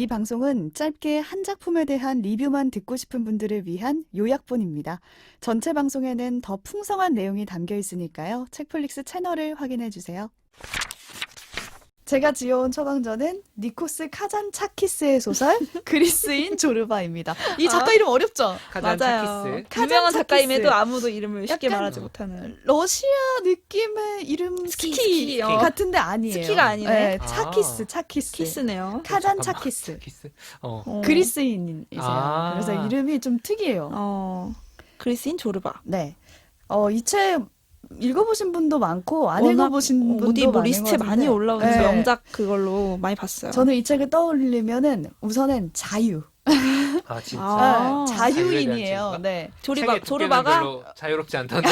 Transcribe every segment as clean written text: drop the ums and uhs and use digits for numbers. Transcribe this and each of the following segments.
이 방송은 짧게 한 작품에 대한 리뷰만 듣고 싶은 분들을 위한 요약본입니다. 전체 방송에는 더 풍성한 내용이 담겨 있으니까요. 책플릭스 채널을 확인해 주세요. 제가 지어온 처방전은 니코스 카잔차키스의 소설 그리스인 조르바입니다. 이 작가 이름 어렵죠? 맞아요. 카잔차키스. 유명한 카잔차키스. 작가임에도 아무도 이름을 쉽게 약간 말하지 못하는. 러시아 느낌의 이름 스키 같은데 아니에요. 스키가 아니네. 네, 아. 차키스. 키스네요. 카잔차키스. 차키스. 그리스인이세요. 아. 그래서 이름이 좀 특이해요. 그리스인 조르바. 네. 이 책 읽어보신 분도 많고 안 워낙 읽어보신 분도 어디 뭐 많은 리스트에 것 많이 같은데. 올라오는 네. 명작 그걸로 많이 봤어요. 저는 이 책을 떠올리면은 우선은 자유. 아 진짜. 아. 자유인이에요. 책에 대한 네. 조르바가 조르바가 별로 자유롭지 않던데.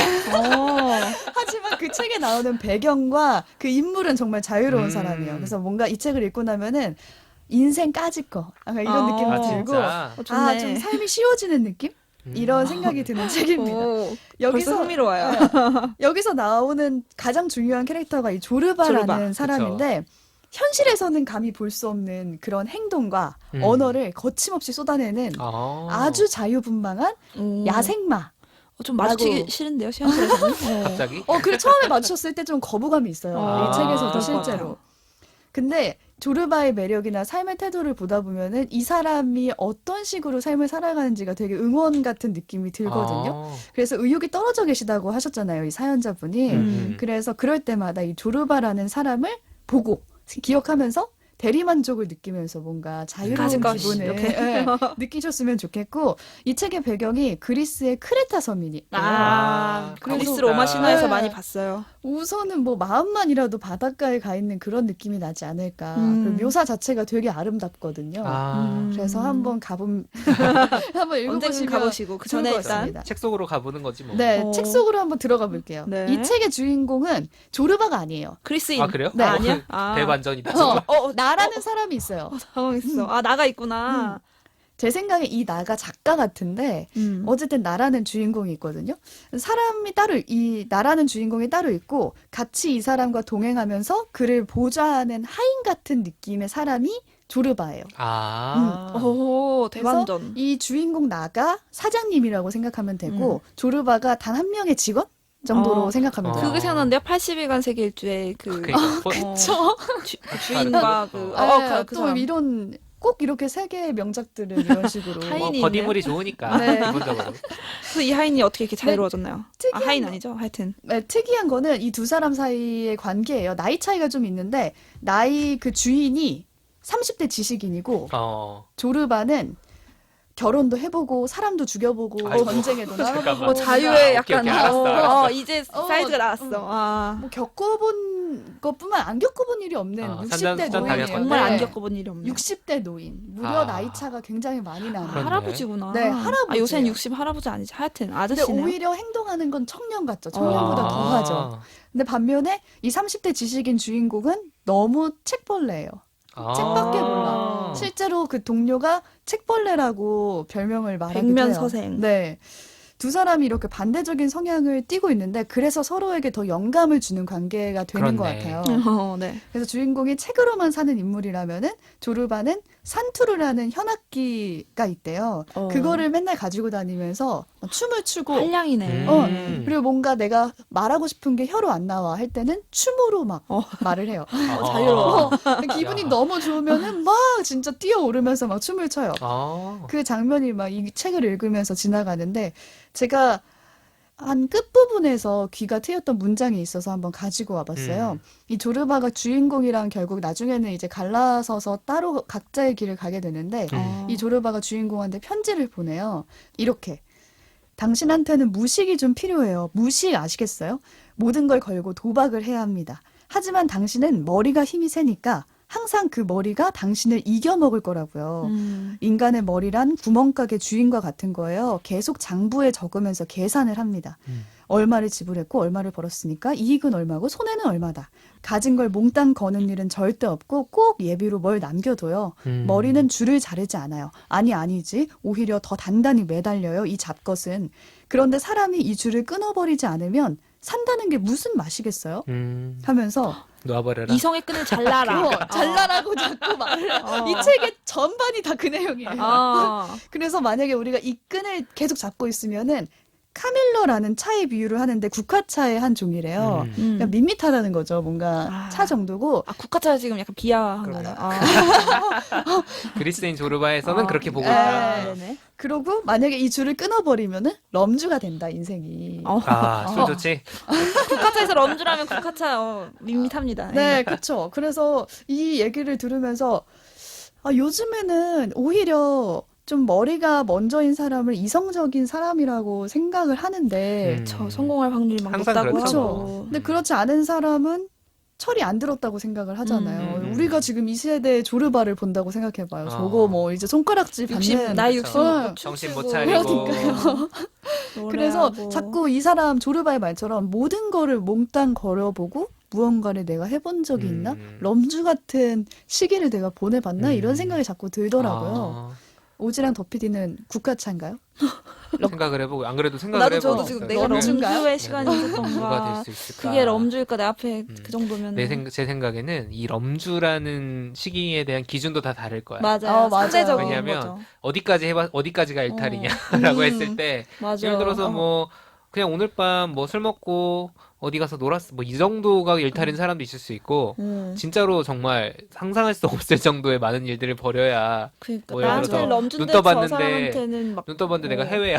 하지만 그 책에 나오는 배경과 그 인물은 정말 자유로운 사람이에요. 그래서 뭔가 이 책을 읽고 나면은 인생 까짓 거 약간 이런 느낌이 아 들고 진짜. 좋네. 좀 삶이 쉬워지는 느낌? 이런 생각이 드는 책입니다. 벌써 여기서 흥미로워요. 여기서 나오는 가장 중요한 캐릭터가 이 조르바라는 조르바. 사람인데 현실에서는 감히 볼 수 없는 그런 행동과 언어를 거침없이 쏟아내는 아주 자유분방한 야생마. 좀 마주치기 라고. 싫은데요, 현실에서는. 갑자기? 그리고 처음에 맞췄을 때 좀 거부감이 있어요. 이 책에서도 그럴 것 실제로. 같아요. 근데 조르바의 매력이나 삶의 태도를 보다 보면은 이 사람이 어떤 식으로 삶을 살아가는지가 되게 응원 같은 느낌이 들거든요. 그래서 의욕이 떨어져 계시다고 하셨잖아요, 이 사연자분이. 그래서 그럴 때마다 이 조르바라는 사람을 보고 기억하면서 대리만족을 느끼면서 뭔가 자유로운 가지고 기분을 이렇게. 느끼셨으면 좋겠고 이 책의 배경이 그리스의 크레타 섬이니 그리스 가보자. 로마 신화에서 네. 많이 봤어요. 우선은 뭐 마음만이라도 바닷가에 가 있는 그런 느낌이 나지 않을까. 그리고 묘사 자체가 되게 아름답거든요. 그래서 한번 한번 언젠간 읽어보시면 가보시고 그 좋을 전에 것 일단 같습니다. 책 속으로 가보는 거지 뭐. 네, 어. 책 속으로 한번 들어가 볼게요. 네. 이 책의 주인공은 조르바가 아니에요. 그리스인. 아 그래요? 네. 아니야? 대반전이다. 나라는 사람이 있어요. 당황했어. 나가 있구나. 제 생각에 이 나가 작가 같은데 어쨌든 나라는 주인공이 있거든요. 사람이 따로 이 나라는 주인공이 따로 있고 같이 이 사람과 동행하면서 그를 보좌하는 하인 같은 느낌의 사람이 조르바예요. 오, 대반전. 이 주인공 나가 사장님이라고 생각하면 되고 조르바가 단 한 명의 직원 정도로 생각하면 돼요. 그게 생각나는데요. 80일간 세계 일주의 그쵸? 주인과 그 또 사람. 이런 꼭 이렇게 세계의 명작들은 이런 식으로 하인이 뭐 버디물이 좋으니까 네. 기본적으로. 그래서 이 하인이 어떻게 이렇게 자유로워졌나요? 특이한 하인 거. 아니죠? 하여튼. 네, 특이한 거는 이 두 사람 사이의 관계예요. 나이 차이가 좀 있는데 나이 그 주인이 30대 지식인이고 조르바는 결혼도 해보고 사람도 죽여보고 아이고, 전쟁에도 나가보고 잠깐만. 자유의 오케이, 약간 오케이, 알았어. 이제 사이즈가 나왔어. 뭐 겪어본 것뿐만 안 겪어본 일이 없는 60대 산전 노인이에요. 정말 안 네. 겪어본 일이 없네. 60대 노인. 무려 나이 차가 굉장히 많이 나는. 그렇네. 할아버지구나. 네, 할아버지예요. 요새는 60 할아버지 아니지. 하여튼 근데 아저씨네요. 오히려 행동하는 건 청년 같죠. 청년보다 더하죠. 근데 반면에 이 30대 지식인 주인공은 너무 책벌레예요. 책밖에 몰라. 실제로 그 동료가 책벌레라고 별명을 말하기도 해요. 백면서생. 네. 두 사람이 이렇게 반대적인 성향을 띠고 있는데 그래서 서로에게 더 영감을 주는 관계가 되는 것 그렇네. 같아요. 네. 그래서 주인공이 책으로만 사는 인물이라면은 조르바는 산투르라는 현악기가 있대요. 그거를 맨날 가지고 다니면서 춤을 추고 한량이네. 그리고 뭔가 내가 말하고 싶은 게 혀로 안 나와 할 때는 춤으로 막 말을 해요. 자유로워. 기분이 너무 좋으면은 막 진짜 뛰어오르면서 막 춤을 춰요. 그 장면이 막 이 책을 읽으면서 지나가는데 제가 한 끝부분에서 귀가 트였던 문장이 있어서 한번 가지고 와봤어요. 이 조르바가 주인공이랑 결국 나중에는 이제 갈라서서 따로 각자의 길을 가게 되는데 이 조르바가 주인공한테 편지를 보내요. 이렇게. 당신한테는 무식이 좀 필요해요. 무식 아시겠어요? 모든 걸 걸고 도박을 해야 합니다. 하지만 당신은 머리가 힘이 세니까 항상 그 머리가 당신을 이겨먹을 거라고요. 인간의 머리란 구멍가게 주인과 같은 거예요. 계속 장부에 적으면서 계산을 합니다. 얼마를 지불했고 얼마를 벌었으니까 이익은 얼마고 손해는 얼마다. 가진 걸 몽땅 거는 일은 절대 없고 꼭 예비로 뭘 남겨둬요. 머리는 줄을 자르지 않아요. 아니지. 오히려 더 단단히 매달려요. 이 잡것은. 그런데 사람이 이 줄을 끊어버리지 않으면 산다는 게 무슨 맛이겠어요? 하면서 놓아버려라. 이성의 끈을 잘라라. 잘라라고 자꾸 말을 이 책의 전반이 다 그 내용이에요. 그래서 만약에 우리가 이 끈을 계속 잡고 있으면은 카밀러라는 차의 비유를 하는데 국화차의 한 종이래요. 그냥 밋밋하다는 거죠. 뭔가 차 정도고. 국화차 지금 약간 비하한 그런가? 거네요. 그리스인 조르바에서는 그렇게 보고 네. 있다. 네네. 그러고 만약에 이 줄을 끊어버리면은 럼주가 된다 인생이. 술 좋지. 국화차에서 럼주라면 국화차 밋밋합니다. 네, 그렇죠. 그래서 이 얘기를 들으면서 요즘에는 오히려 좀 머리가 먼저인 사람을 이성적인 사람이라고 생각을 하는데 저 성공할 확률이 막 항상 높다고 그렇죠. 하고. 근데 그렇지 않은 사람은 철이 안 들었다고 생각을 하잖아요. 우리가 지금 이 세대의 조르바를 본다고 생각해봐요. 저거 뭐 이제 손가락질 60, 받는 나이 60 어, 먹고 정신 못 춤추고 차리고. 그래서 노래하고. 자꾸 이 사람 조르바의 말처럼 모든 거를 몽땅 걸어보고 무언가를 내가 해본 적이 있나? 럼주 같은 시기를 내가 보내봤나? 이런 생각이 자꾸 들더라고요. 오지랑 더피디는 국가차인가요? 생각을 해보고 안 그래도 생각을 나도 해보고 저도 지금 있어요. 내가 럼주인가요? 럼주의 시간이 누가 있었던가. 될 수 있을까? 그게 럼주일까 내 앞에 그 정도면. 제 생각에는 이 럼주라는 시기에 대한 기준도 다 다를 거야. 맞아요. 맞아요. 상대적인 왜냐면 거죠. 어디까지가 일탈이냐라고 했을 때 맞아. 예를 들어서 뭐 그냥 오늘 밤 뭐 술 먹고 어디 가서 놀았어 뭐 이 정도가 일탈인 사람도 있을 수 있고 진짜로 정말 상상할 수 없을 정도의 많은 일들을 벌여야 그러니까 뭐 예를 나한테는 들어서 럼주인데 눈 저 떠봤는데 사람한테는 막 눈 떠봤는데 내가 해외야.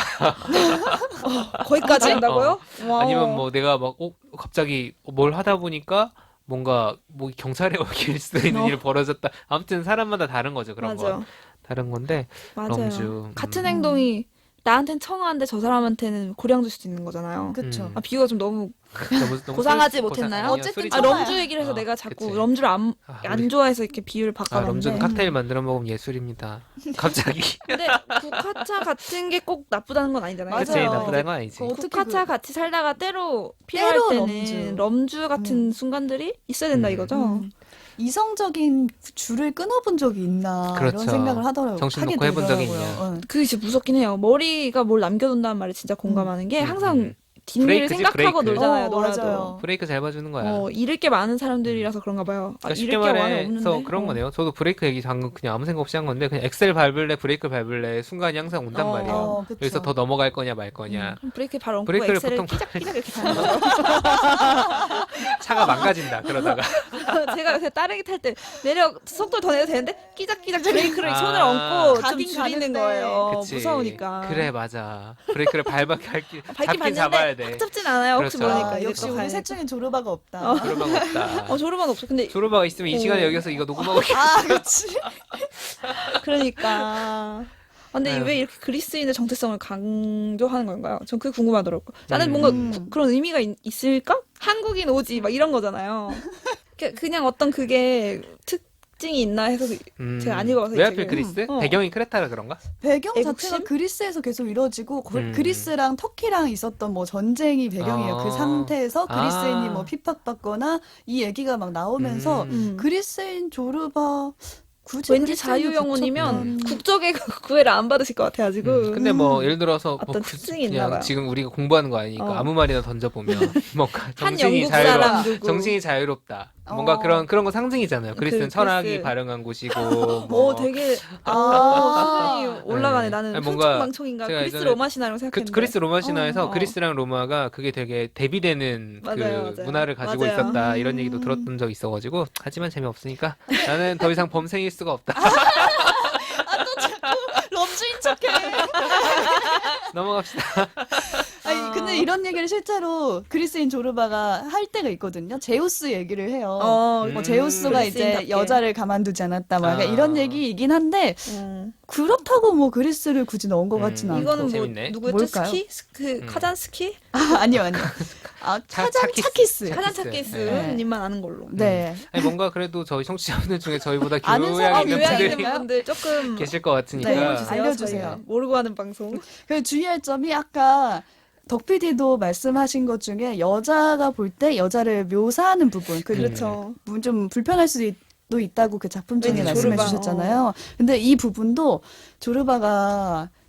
거기까지 한다고요? 와. 아니면 뭐 내가 막 갑자기 뭘 하다 보니까 뭔가 뭐 경찰에 올 수도 있는 일이 벌어졌다. 아무튼 사람마다 다른 거죠. 그런 맞아. 건 다른 건데 맞아요. 럼주. 같은 행동이 나한텐 청아한데 저 사람한테는 고량주일 수도 있는 거잖아요. 그쵸. 비유가 좀 너무 너무 고상하지 못했나요? 어쨌든 술이 럼주 얘기를 해서 내가 자꾸 그치. 럼주를 안 우리- 좋아해서 이렇게 비유를 바꿔봤는데. 럼주는 칵테일 만들어 먹으면 예술입니다. 갑자기. 근데 국화차 같은 게 꼭 나쁘다는 건 아니잖아요. 맞아요. 그치 나쁘다는 건 아니지. 어떻게 국화차 같이 살다가 때로 필요할 때로 때는 럼주 같은 순간들이 있어야 된다 이거죠. 이성적인 줄을 끊어본 적이 있나 그렇죠. 이런 생각을 하더라고요. 정신 하게 놓고 해본 적이 되더라고요. 있냐. 응. 그게 진짜 무섭긴 해요. 머리가 뭘 남겨둔다는 말에 진짜 공감하는 게 항상 뒷일을 브레이크지, 생각하고 브레이크. 놀잖아요. 맞아요. 놀아도. 브레이크 잘 봐주는 거야. 잃을 게 많은 사람들이라서 그런가 봐요. 그러니까 쉽게 잃을 게 많이 말해서 없는데. 그런 거네요. 저도 브레이크 얘기 방금 그냥 아무 생각 없이 한 건데 그냥 엑셀 밟을래 브레이크 밟을래 순간이 항상 온단 말이에요. 그쵸. 여기서 더 넘어갈 거냐 말 거냐. 그럼 브레이크 발 얹고 브레이크를 엑셀을 보통 끼작끼작 이렇게 가는 거죠. 차가 망가진다 그러다가. 제가 요새 따릉이 탈 때 속도를 더 내도 되는데 끼작끼작 브레이크를 아. 손을 얹고 좀 가긴 줄이는 가는데. 거예요. 그치. 무서우니까. 그래 맞아. 브레이크를 밟긴 잡긴 잡아야 봤는데 돼. 확 잡진 않아요. 혹시 그렇죠. 모르니까. 이제 역시 또 우리 가야 셋 중엔 조르바가 없다. 조르바가 없다. 조르반 없어. 근데 조르바가 있으면 이 시간에 여기서 이거 녹음하고 그렇지. 그러니까. 근데 아유. 왜 이렇게 그리스인의 정체성을 강조하는 건가요? 전 그게 궁금하더라고요. 나는 뭔가 그런 의미가 있을까? 한국인 오지 막 이런 거잖아요. 그냥 어떤 그게 특징이 있나 해서 제가 안 읽어봐서 왜 이 하필 책을. 그리스? 배경이 크레타라 그런가? 배경 애국심? 자체가 그리스에서 계속 이루어지고 음. 그리스랑 터키랑 있었던 뭐 전쟁이 배경이에요. 그 상태에서 그리스인이 뭐 핍박받거나 이 얘기가 막 나오면서 그리스인 조르바 굳이 왠지 그리스인이 자유영혼이면 붙였던- 국적의 구애를 안 받으실 것 같아가지고. 근데 뭐 예를 들어서 어떤 뭐 특징이 있나 그냥 봐요. 지금 우리가 공부하는 거 아니니까 아무 말이나 던져보면 뭔가 한 정신이 영국 자유롭다. 사람 누구. 정신이 자유롭다. 뭔가 그런 거 상징이잖아요. 그리스는 철학이 그리스. 발행한 곳이고 뭐 되게 수준이 올라가네. 나는 아니, 뭔가 흥청망청인가 제가 그리스 예전에 로마 신화라고 생각했는데. 그리스 로마 신화에서 그리스랑 로마가 그게 되게 대비되는 맞아요, 그 맞아요. 문화를 가지고 맞아요. 있었다 이런 얘기도 들었던 적이 있어가지고 하지만 재미없으니까 나는 더 이상 범생일 수가 없다. 럼주인 척해. 넘어갑시다. 아니 근데 이런 얘기를 실제로 그리스인 조르바가 할 때가 있거든요. 제우스 얘기를 해요. 뭐 제우스가 이제 그리스인답게. 여자를 가만두지 않았다. 막 약간 이런 얘기이긴 한데 음. 그렇다고 뭐 그리스를 굳이 넣은 것 같지는 않고. 이거는 뭐 재밌네. 누구였죠? 뭘까요? 스키? 카잔스키? 아니요. 차키스. 카잔차키스님만 아는 걸로. 네. 아니 뭔가 그래도 저희 청취자분들 중에 저희보다 아는 교양 사람이 있는 교양 분들이 있는 분들 조금 계실 것 같으니까 네, 알려주세요. 알려주세요. 저희가 모르고 하는 방송. 그 주의할 점이 아까 덕 PD도 말씀하신 것 중에 여자가 볼 때 여자를 묘사하는 부분, 그렇죠. 좀 불편할 수도 있다고 그 작품 중에 왠지 말씀해 조르바. 주셨잖아요. 근데 이 부분도 조르바가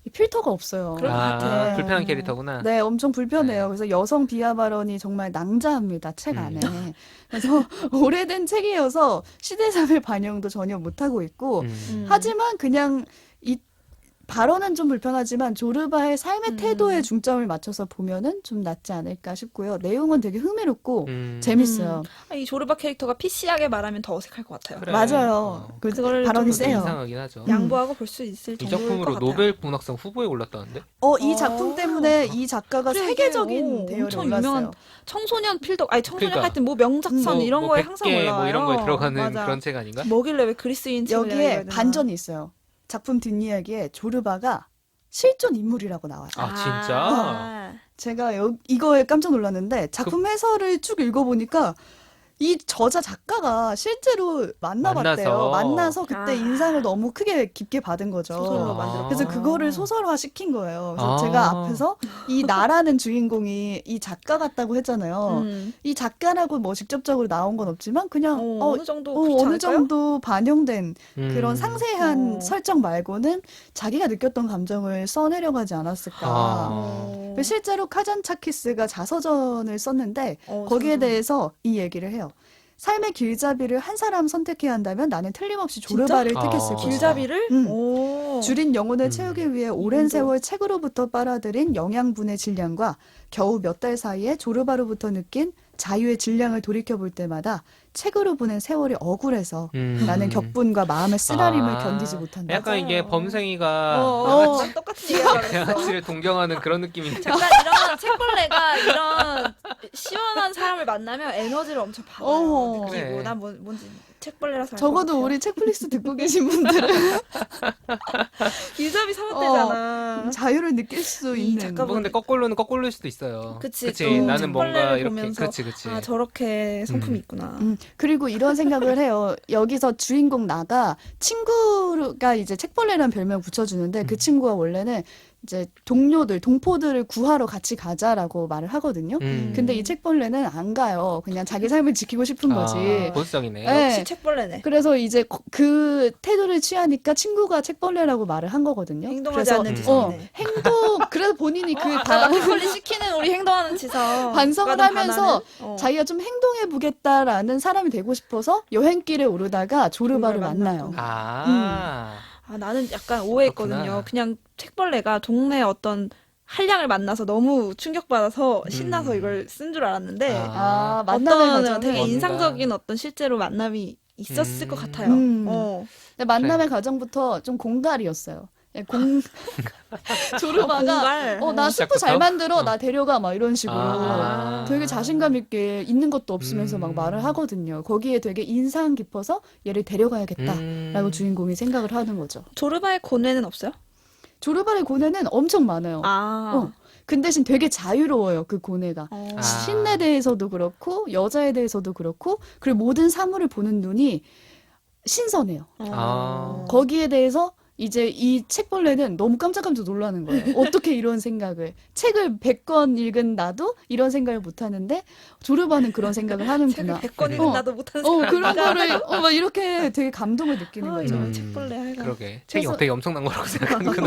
이 필터가 없어요. 그럴 것 같아. 불편한 캐릭터구나. 네, 엄청 불편해요. 네. 그래서 여성 비하 발언이 정말 낭자합니다, 책 안에. 음. 그래서 오래된 책이어서 시대사회 반영도 전혀 못하고 있고, 하지만 그냥 이 발언은 좀 불편하지만 조르바의 삶의 태도에 중점을 맞춰서 보면은 좀 낫지 않을까 싶고요. 내용은 되게 흥미롭고 재밌어요. 이 조르바 캐릭터가 PC하게 말하면 더 어색할 것 같아요. 그래. 맞아요. 그걸 발언이 좀 세요. 이상하긴 하죠. 양보하고 볼 수 있을 이 정도일 것 작품으로 같아요. 노벨 문학상 후보에 올랐다는데? 이 작품 때문에 이 작가가 그래, 세계적인 이게, 대열에 엄청 올랐어요. 유명한 청소년 필독, 아니 청소년 그러니까. 할 때 뭐 명작선 이런 거에 항상 100개 올라와요. 뭐 이런 거에 들어가는 맞아. 그런 책 아닌가? 뭐길래 왜 그리스인 책을 내가 읽어야 여기에 되나. 반전이 있어요. 작품 뒷이야기에 조르바가 실존 인물이라고 나와요. 아, 진짜? 진짜? 제가 이거에 깜짝 놀랐는데 작품 해설을 쭉 읽어보니까 이 저자 작가가 실제로 만나봤대요. 만나서 그때 인상을 너무 크게 깊게 받은 거죠. 소설로 만들었구나. 그래서 그거를 소설화 시킨 거예요. 그래서 아. 제가 앞에서 이 나라는 주인공이 이 작가 같다고 했잖아요. 이 작가라고 뭐 직접적으로 나온 건 없지만 그냥 어느 정도 그렇지 어느 않을까요? 정도 반영된 그런 상세한 어. 설정 말고는 자기가 느꼈던 감정을 써내려가지 않았을까. 아. 실제로 카잔차키스가 자서전을 썼는데 어, 거기에 자서전. 대해서 이 얘기를 해요. 삶의 길잡이를 한 사람 선택해야 한다면 나는 틀림없이 조르바를 진짜? 택했을 아. 것이다. 길잡이를? 음. 오. 줄인 영혼을 채우기 위해 오랜 인도. 세월 책으로부터 빨아들인 영양분의 질량과 겨우 몇 달 사이에 조르바로부터 느낀 자유의 질량을 돌이켜볼 때마다 책으로 보낸 세월이 억울해서 나는 격분과 마음의 쓰라림을 견디지 못한다. 약간 이게 맞아요. 범생이가 난 똑같은 얘기하고 그랬어. 양아치를 동경하는 그런 느낌인데. 잠깐 이런 책벌레가 이런 시원한 사람을 만나면 에너지를 엄청 받아요. 어허. 느끼고 그래. 난 뭔지 책벌레라서 알것 적어도 같아요. 우리 책플릭스 듣고 계신 분들은 길잡이 사왔대잖아. 자유를 느낄 수 이 있는 작가 뭐 근데 거꾸로는 거꾸로일 수도 있어요. 그치, 그치. 또 나는 뭔가 책벌레를 이렇게 보면서 그치. 아 저렇게 성품이 있구나. 그리고 이런 생각을 해요. 여기서 주인공 나가 친구가 이제 책벌레라는 별명 붙여주는데 그 친구가 원래는 이제 동포들을 구하러 같이 가자라고 말을 하거든요. 근데 이 책벌레는 안 가요. 그냥 자기 삶을 지키고 싶은 거지. 보수적이네. 네. 역시 책벌레네. 그래서 이제 그 태도를 취하니까 친구가 책벌레라고 말을 한 거거든요. 행동하지 그래서 않는 지성이네. 그래서 본인이 그 마켓컬리 시키는 우리 행동하는 지성. 반성을 누가 좀 하면서 반하는? 자기가 좀 행동해 보겠다라는 사람이 되고 싶어서 여행길에 오르다가 조르바를 조르바를 만나요. 아. 나는 약간 오해했거든요. 그렇구나. 그냥 책벌레가 동네 어떤 한량을 만나서 너무 충격받아서 신나서 이걸 쓴 줄 알았는데 만남의 어떤 과정은 되게 뭔가. 인상적인 어떤 실제로 만남이 있었을 것 같아요. 근데 만남의 과정부터 좀 공갈이었어요. 예, 조르바가 공갈. 나 스프 잘 시작부터? 만들어 나 데려가 막 이런 식으로 아. 되게 자신감 있게 있는 것도 없으면서 막 말을 하거든요. 거기에 되게 인상 깊어서 얘를 데려가야겠다라고 주인공이 생각을 하는 거죠. 조르바의 고뇌는 없어요? 조르바의 고뇌는 엄청 많아요. 그 대신 되게 자유로워요, 그 고뇌가. 신에 대해서도 그렇고 여자에 대해서도 그렇고 그리고 모든 사물을 보는 눈이 신선해요. 거기에 대해서 이제 이 책벌레는 너무 깜짝깜짝 놀라는 거예요. 어떻게 이런 생각을. 책을 100권 읽은 나도 이런 생각을 못 하는데 조르바는 그런 생각을 하는구나. 책을 100권 읽은 나도 못하는 생각. 그런 거를 막 이렇게 되게 감동을 느끼는 거죠. 이런 책벌레 하여간. 그러게. 책이 그래서- 되게 엄청난 거라고 생각하는구나.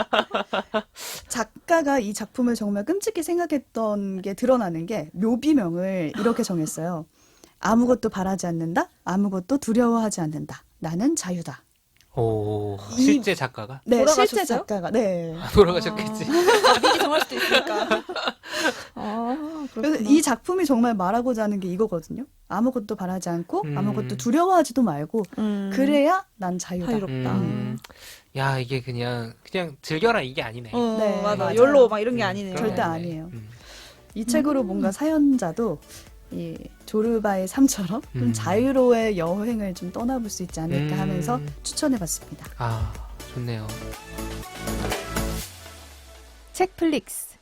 작가가 이 작품을 정말 끔찍히 생각했던 게 드러나는 게 묘비명을 이렇게 정했어요. 아무것도 바라지 않는다. 아무것도 두려워하지 않는다. 나는 자유다. 오, 실제 작가가? 네, 돌아가셨어요? 실제 작가가. 네. 돌아가셨겠지. 미리 정할 수도 있으니까. 그래서 그렇구나. 이 작품이 정말 말하고자 하는 게 이거거든요. 아무것도 바라지 않고 아무것도 두려워하지도 말고 그래야 난 자유다. 자유롭다. 야, 이게 그냥 즐겨라 이게 아니네. 네, 맞아. 맞아요. 열로 막 이런 게 아니네요. 절대 그러네. 아니에요. 이 책으로 뭔가 사연자도 이 조르바의 삶처럼 좀 자유로의 여행을 좀 떠나볼 수 있지 않을까 하면서 추천해봤습니다. 아, 좋네요. 책플릭스